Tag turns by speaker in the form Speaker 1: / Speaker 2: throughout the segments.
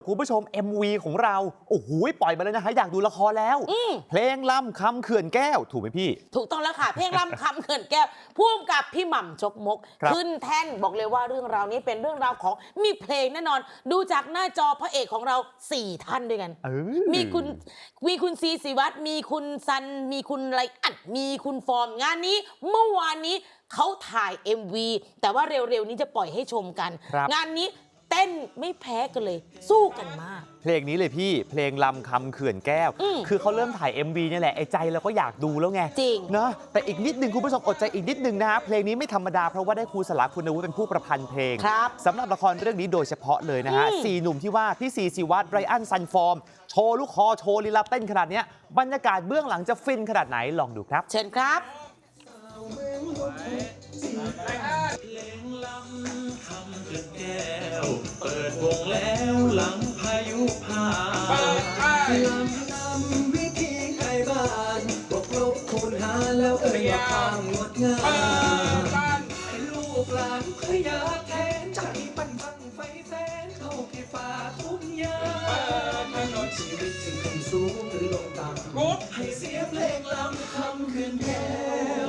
Speaker 1: คุณผู้ชม MV ของเราโอ้โหปล่อยมาเลยนะฮะอยากดูละครแล้วเพลงล่ำคำเขื่อนแก้วถูกไหมพี่
Speaker 2: ถูกต้องแล้วค่ะเพลงล่ำคำเขื่อนแก้วพ่วงกับพี่หม่ำจกมกขึ้นแท่นบอกเลยว่าเรื่องราวนี้เป็นเรื่องราวของมีเพลงแน่นอนดูจากหน้าจอพระเอกของเรา4 ท่านด้วยกันมีคุณซีศิวัตรมีคุณซันมีคุณไรอัดมีคุณฟอร์มงานนี้เมื่อวานนี้เขาถ่าย MV แต่ว่าเร็วๆนี้จะปล่อยให้ชมกันงานนี้เต้นไม่แพ้กันเลยสู้กันมาก
Speaker 1: เพลงนี้เลยพี่เพลงลำคำเขื่อนแก้วคือเขาเริ่มถ่าย MV นี่แหละไอ้ใจเราก็อยากดูแล้วไง
Speaker 2: จริง
Speaker 1: เนาะแต่อีกนิดนึงคุณผู้ชมอดใจอีกนิดนึงนะฮะเพลงนี้ไม่ธรรมดาเพราะว่าได้ครูสลาคุณวุฒิเป็นผู้ประพันธ์เพลงสำหรับละครเรื่องนี้โดยเฉพาะเลยนะฮะ4 หนุ่มที่ว่าพี่ซีศิวัตรไรอันซันฟอร์มโชว์ลูกคอโชว์ลีลาเต้นขนาดนี้บรรยากาศเบื้องหลังจะฟินขนาดไหนลองดูครับ
Speaker 2: เชิญครับ
Speaker 3: เปิดวงแล้วหลังพายุผ่านลำวิธีใครบ้านบวกลบคูณหารแล้วว่าความงดงามให้ลูกหลานขยะแทนใจปั้นบังไฟแสนเข้าที่ฟ้าทุ่งหญ้าถนนชีวิตถึงขึ้นสูงหรือลงต่ำให้เสียงเพลงลำคำคืนแก้ว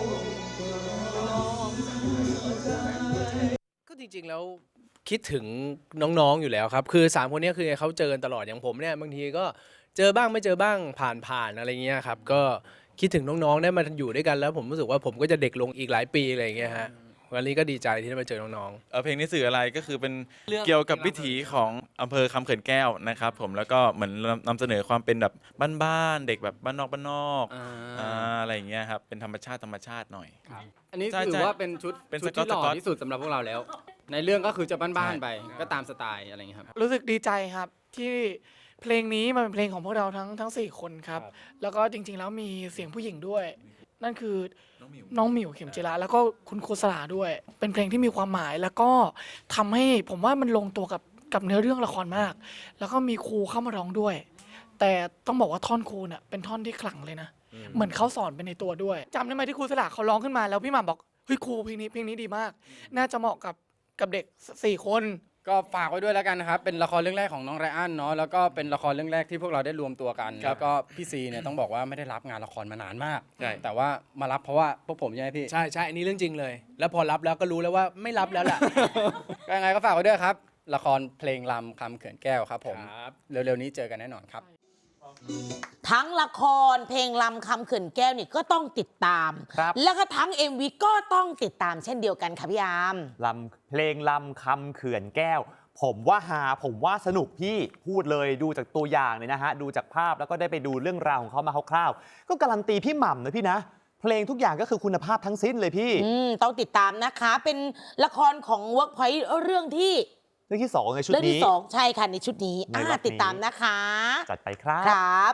Speaker 4: ก็จริงๆแล้วคิดถึงน้องๆอยู่แล้วครับคือ3 คนนี้คือเขาเจอกันตลอดอย่างผมเนี่ยบางทีก็เจอบ้างไม่เจอบ้างผ่านอะไรเงี้ยครับก็คิดถึงน้องๆได้มาอยู่ด้วยกันแล้วผมรู้สึกว่าผมก็จะเด็กลงอีกหลายปีอะไรเงี้ยฮะวันนี้ก็ดีใจที่ได้มาเจอน้อง
Speaker 5: ๆเพลงนี้สื่ออะไรก็คือเป็นเกี่ยวกับวิถีของอำเภอคำเขื่อนแก้วนะครับผมแล้วก็เหมือนนำเสนอความเป็นแบบบ้านๆเด็กแบบบ้านนอกอะไรอย่างเงี้ยครับเป็นธรรมชาติหน่อย
Speaker 6: อันนี้ถือว่าเป็นชุดที่หล่อที่สุดสำหรับพวกเราแล้วในเรื่องก็คือจะบ้านๆไปก็ตามสไตล์อะไรอย่างเงี้ยครับ
Speaker 7: รู้สึกดีใจครับที่เพลงนี้มันเป็นเพลงของพวกเราทั้ง4 คนครับแล้วก็จริงๆแล้วมีเสียงผู้หญิงด้วยนั่นคือน้องหมิวเข็มจิราแล้วก็คุณครูสลาด้วยเป็นเพลงที่มีความหมายแล้วก็ทำให้ผมว่ามันลงตัวกับเนื้อเรื่องละครมากแล้วก็มีครูเข้ามาร้องด้วยแต่ต้องบอกว่าท่อนครูเนี่ยเป็นท่อนที่ขลังเลยนะเหมือนเขาสอนไปในตัวด้วยจำได้ไหมที่ครูสลาเขาร้องขึ้นมาแล้วพี่หม่ำบอกเฮ้ยครูเพลงนี้ดีมากน่าจะเหมาะกับเด็ก4 คน
Speaker 6: ก็ฝากไว้ด้วยแล้วกันนะครับเป็นละครเรื่องแรกของน้องไรอันเนาะแล้วก็เป็นละครเรื่องแรกที่พวกเราได้รวมตัวกันแล้วก็พี่ซีเนี่ยต้องบอกว่าไม่ได้รับงานละครมานานมากแต่ว่ามารับเพราะว่าพวกผมใช่ไหมพี่
Speaker 4: ใช่อันนี้เรื่องจริงเลยแล้วพอรับแล้วก็รู้แล้วว่าไม่รับแล้วแหละ
Speaker 6: ก็ยังไงก็ฝากไว้ด้วยครับละครเพลงลำคำเขื่อนแก้วครับผมเร็วๆนี้เจอกันแน่นอนครับ
Speaker 2: ทั้งละครเพลงลำคำเขื่อนแก้วนี่ก็ต้องติดตามแล้วก็ทั้ง MV ก็ต้องติดตามเช่นเดียวกันค่ะพี่ยาม
Speaker 1: เพลงลำคำเขื่อนแก้วผมว่าผมว่าสนุกพี่พูดเลยดูจากตัวอย่างเลยนะฮะดูจากภาพแล้วก็ได้ไปดูเรื่องราวของเขามาคร่าวๆก็การันตีพี่หม่ำนะพี่นะเพลงทุกอย่างก็คือคุณภาพทั้งสิ้นเลยพี่
Speaker 2: ต้องติดตามนะคะเป็นละครของ Workpoint เรื่องที่
Speaker 1: 2ในชุดนี้
Speaker 2: เรื่องที่2ใช่ค่ะในชุดนี้ติดตามนะคะ
Speaker 1: จัดไปครับ